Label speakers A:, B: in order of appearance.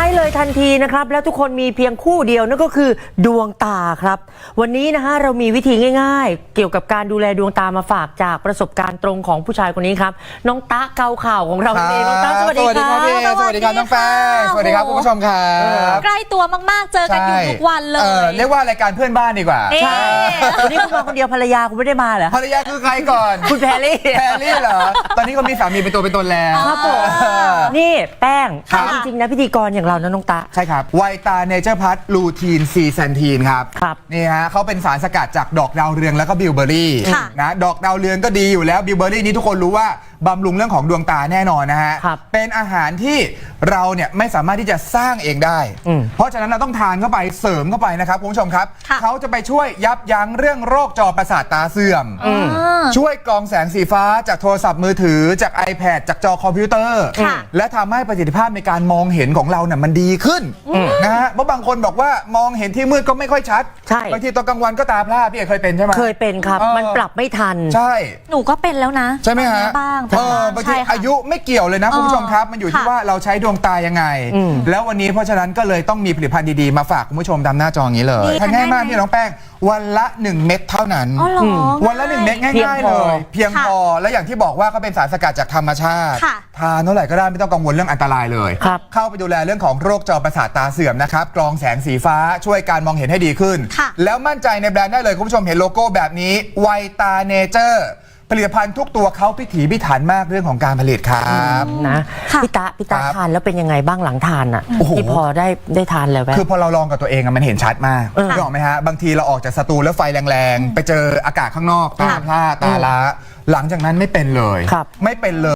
A: ช้เลยทันทีนะครับแล้วทุกคนมีเพียงคู่เดียวนั่นก็คือดวงตาครับวันนี้นะฮะเรามีวิธีง่ายๆเกี่ยวกับการดูแลดวงตามาฝากจากประสบการณ์ตรงของผู้ชายคนนี้ครับน้องตะเกาข่าวของเราเองน้องตะสวัสดีครับ
B: สวัสดีครับน้องแป้งสวัสดีครับคุณผู้ชมครับ
C: ใกล้ตัวมากๆเจอกันอยู่ทุกวันเลย
B: เรียกว่ารายการเพื่อนบ้านดีกว่า
A: ใช่วันนี้คุณมาคนเดียวภรรยาคุณไม่ได้มาเหรอ
B: ภรรยาคือใครก่อน
A: คุณแพรรี่
B: เหรอตอนนี้เขามีสามีเป็นตัวเป็นตนแล้ว
A: ครับผมนี่แป้งจริงๆนะพิธีกรอย่างเรานะน้องตะ
B: ใช่ครับไวตาเนเจอร์พัทลูทีนซีแซนทีนครับนี่ฮะเขาเป็นสารสกัดจากดอกดาวเรืองแล้วก็บิลเบอรี่นะดอกดาวเรืองก็ดีอยู่แล้วบิลเบอรี่นี้ทุกคนรู้ว่าบำรุงเรื่องของดวงตาแน่นอนนะฮะเป็นอาหารที่เราเนี่ยไม่สามารถที่จะสร้างเองได้เพราะฉะนั้นเราต้องทานเข้าไปเสริมเข้าไปนะครับคุณผู้ชมครับเขาจะไปช่วยยับยั้งเรื่องโรคจอประสาทตาเสื่อมช่วยกรองแสงสีฟ้าจากโทรศัพท์มือถือจาก iPad จากจอคอมพิวเตอร์และทำให้ประสิทธิภาพในการมองเห็นของเราเนี่ยมันดีขึ้นนะฮะเพราะบางคนบอกว่ามองเห็นที่มืดก็ไม่ค่อยชัดบางทีตอนกลางวันก็ตาพร่าพี่เอกเคยเป็นใช่ไหม
A: เคยเป็นครับมันปรับไม่ทัน
B: ใช่
C: หนูก็เป็นแล้วนะ
B: ใช่ไหมฮะ
C: บ้าง
B: บางทีอายุไม่เกี่ยวเลยนะคุณผู้ชมครับมันอยู่ที่ว่าเราใช้ดวงตายังไงแล้ววันนี้เพราะฉะนั้นก็เลยต้องมีผลิตภัณฑ์ดีๆมาฝากคุณผู้ชมตามหน้าจออย่างนี้เลยทานง่ายมากพี่น้องแป้งวันละ1 เม็ดเท่านั้นวันละ1 เม็ดง่ายๆเลยเพียงพอและอย่างที่บอกว่าเขาเป็นสารสกัดจากธรรมชาติทานเท่าไหร่ก็ได้ไม่ต้องกังวลเรื่องอันตรายเลยเข้าไปดูแลเรื่องของโรคจอประสาทตาเสื่อมนะครับกรองแสงสีฟ้าช่วยการมองเห็นให้ดีขึ้นแล้วมั่นใจในแบรนด์ได้เลยคุณผู้ชมเห็นโลโก้แบบนี้ไวตาเนเจอร์ผลิตภัณฑ์ทุกตัวเขาพิถีพิถันมากเรื่องของการผลิตครับ
A: นะพี่ตาทานแล้วเป็นยังไงบ้างหลังทานอ่ะที่พอได้ทานแล้ว
B: คือพอเราลองกับตัวเองมันเห็นชัดมากรู้ไหมฮะบางทีเราออกจากสตูแล้วไฟแรงๆไปเจออากาศข้างนอกตาพร่าตาล้าหลังจากนั้นไม่เป็นเลยไม่เป็นเลย